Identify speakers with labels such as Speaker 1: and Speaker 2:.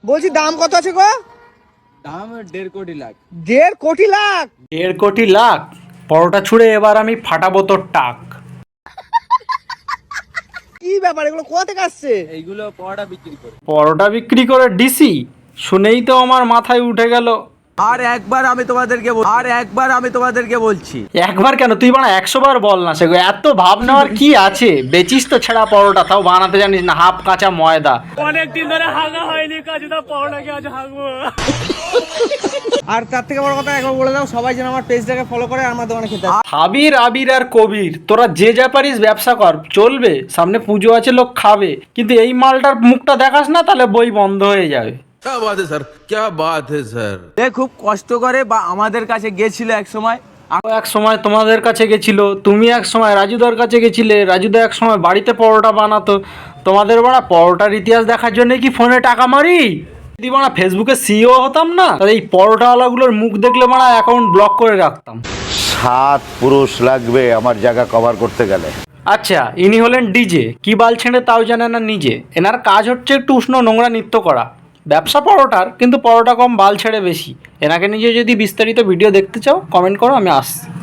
Speaker 1: বলছি দাম কত আছে গো?
Speaker 2: দাম 1.5 কোটি লাখ।
Speaker 1: 1.5 কোটি লাখ?
Speaker 3: 1.5 কোটি লাখ? পরোটা ছুঁড়ে এবার আমি ফাটাবো তোর টাক।
Speaker 1: কি ব্যাপার, এগুলো কোথা থেকে আসছে?
Speaker 2: এইগুলো পরোটা বিক্রি করে।
Speaker 3: পরোটা বিক্রি করে ডিসি? শুনেই তো আমার মাথায় উঠে গেল।
Speaker 2: আর একবার আমি তোমাদেরকে বলছি।
Speaker 3: একবার কেন, তুই বানা 100 বার বল না। সেগুলো এত ভাব নেওয়ার কি আছে? বেচিস তো ছেঁড়া পরোটা, তাও বানাতে জানিস না, হাফ কাঁচা ময়দা।
Speaker 4: অনেকদিন ধরে হাগা হয়নি, কাজটা পরোটাকে আজ হাগবো।
Speaker 1: আর তার থেকে বড় কথা একবার বলে দাও, সবাই যেন আমার পেজটাকে ফলো করে আর আমার দোকানে খেতে আসে।
Speaker 3: হাবির, আবির আর কবির, তোরা যে যা পারিস ব্যবসা কর, চলবে। সামনে পুজো আছে, লোক খাবে। কিন্তু এই মালটার মুখটা দেখাস না, তাহলে বই বন্ধ হয়ে যাবে।
Speaker 5: क्या बात है सर, क्या बात है सर।
Speaker 2: খুব কষ্ট করে বা আমাদের কাছে গেছিল এক সময়।
Speaker 3: এক সময় তোমাদের কাছে গেছিল, তুমি এক সময় রাজুদার কাছে গেছিলে, রাজুদা এক সময় বাড়িতে পরোটা বানাতো। তোমাদের বাড়া পরোটার ইতিহাস দেখার জন্য কি ফোনে টাকা মারি? যদি বাড়া ফেসবুকে সিইও হতাম না, তাহলে এই পরোটাওয়ালাগুলোর মুখ দেখলে বাড়া অ্যাকাউন্ট ব্লক করে রাখতাম।
Speaker 6: 7 পুরুষ লাগবে আমার জায়গা কভার করতে গেলে।
Speaker 3: আচ্ছা, ইনি হলেন ডিজে, কি বাল ছেড়ে তাও জানে না নিজে। এনার কাজ হচ্ছে একটু উষ্ণ নোংরা নৃত্য করা। ব্যবসা পরোটার, কিন্তু পরোটা কম বাল ছেড়ে বেশি। এনাকে নিজে যদি বিস্তারিত ভিডিও দেখতে চাও কমেন্ট করো, আমি আসছি।